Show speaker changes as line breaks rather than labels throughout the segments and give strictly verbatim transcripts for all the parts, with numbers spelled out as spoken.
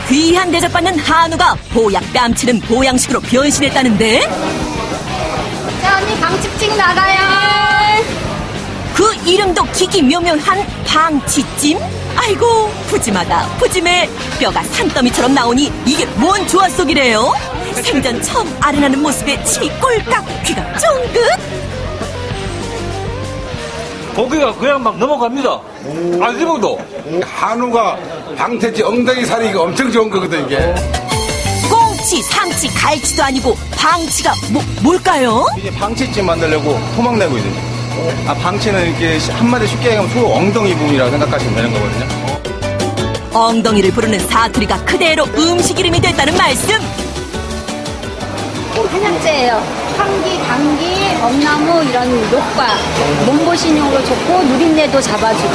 귀한 대접받는 한우가 보약 뺨치는 보양식으로 변신했다는데?
자, 언니 방치찜 나가요.
그 이름도 기기묘묘한 방치찜? 아이고 푸짐하다 푸짐해. 뼈가 산더미처럼 나오니 이게 뭔 조화 속이래요? 생전 처음 아른하는 모습에 침이 꼴깍 귀가 쫑긋.
고기가 그냥 막 넘어갑니다. 안 씹어도.
한우가 방태치 엉덩이 살이 엄청 좋은 거거든 이게.
꽁치, 삼치, 갈치도 아니고 방치가 뭐, 뭘까요?
이제 방치찜 만들려고 토막 내고 있는. 아, 방치는 이렇게 한마디 쉽게 얘기하면 소 엉덩이 부분이라고 생각하시면 되는 거거든요.
엉덩이를 부르는 사투리가 그대로 음식 이름이 됐다는 말씀.
한약재예요. 감기, 감기, 엄나무 이런 효과, 몸보신용으로 좋고 누린내도 잡아주고.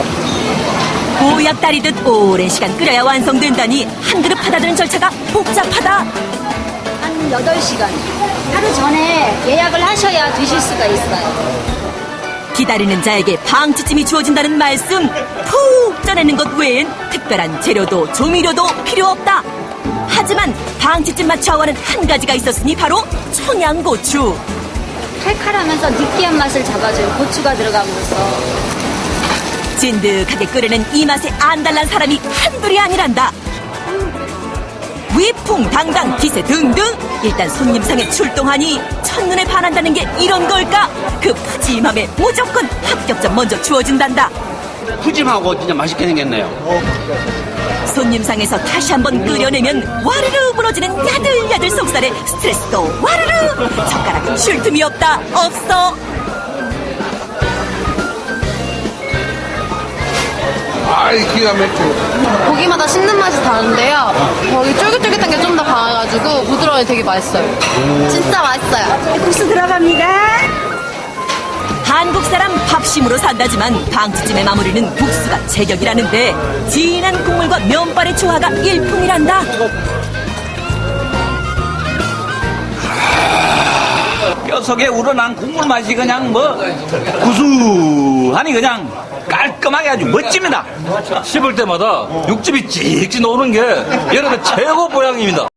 보약 다리듯 오랜 시간 끓여야 완성된다니 한 그릇 받아드는 절차가 복잡하다.
한 여덟 시간. 하루 전에 예약을 하셔야 드실 수가 있어요.
기다리는 자에게 방치찜이 주어진다는 말씀. 푹 쪄내는 것 외엔 특별한 재료도 조미료도 필요 없다. 하지만 방치찜 맛 좌우하는 한 가지가 있었으니 바로 청양고추.
칼칼하면서 느끼한 맛을 잡아줘요. 고추가 들어가면서.
진득하게 끓이는 이 맛에 안달난 사람이 한둘이 아니란다. 위풍당당 기세 등등. 일단 손님상에 출동하니 첫눈에 반한다는 게 이런 걸까? 그 푸짐함에 무조건 합격점 먼저 주어진단다.
푸짐하고 진짜 맛있게 생겼네요.
손님상에서 다시 한번 끓여내면 와르르 무너지는 야들야들 속살에 스트레스도 와르르. 젓가락은 쉴 틈이 없다. 없어.
아이 기가 막혀.
고기마다 씹는 맛이 다른데요. 거기 쫄깃쫄깃한 게 좀 더 강해가지고 부드러워서 되게 맛있어요. 진짜 맛있어요.
국수 들어갑니다.
한국 사람 밥심으로 산다지만 방치찜의 마무리는 국수가 제격이라는데 진한 국물과 면발의 조화가 일품이란다.
뼈 속에 우러난 국물 맛이 그냥 뭐 구수하니 그냥 깔끔하게 아주 멋집니다.
씹을 때마다 육즙이 찍찍 나오는 게 여름의 최고 보양입니다.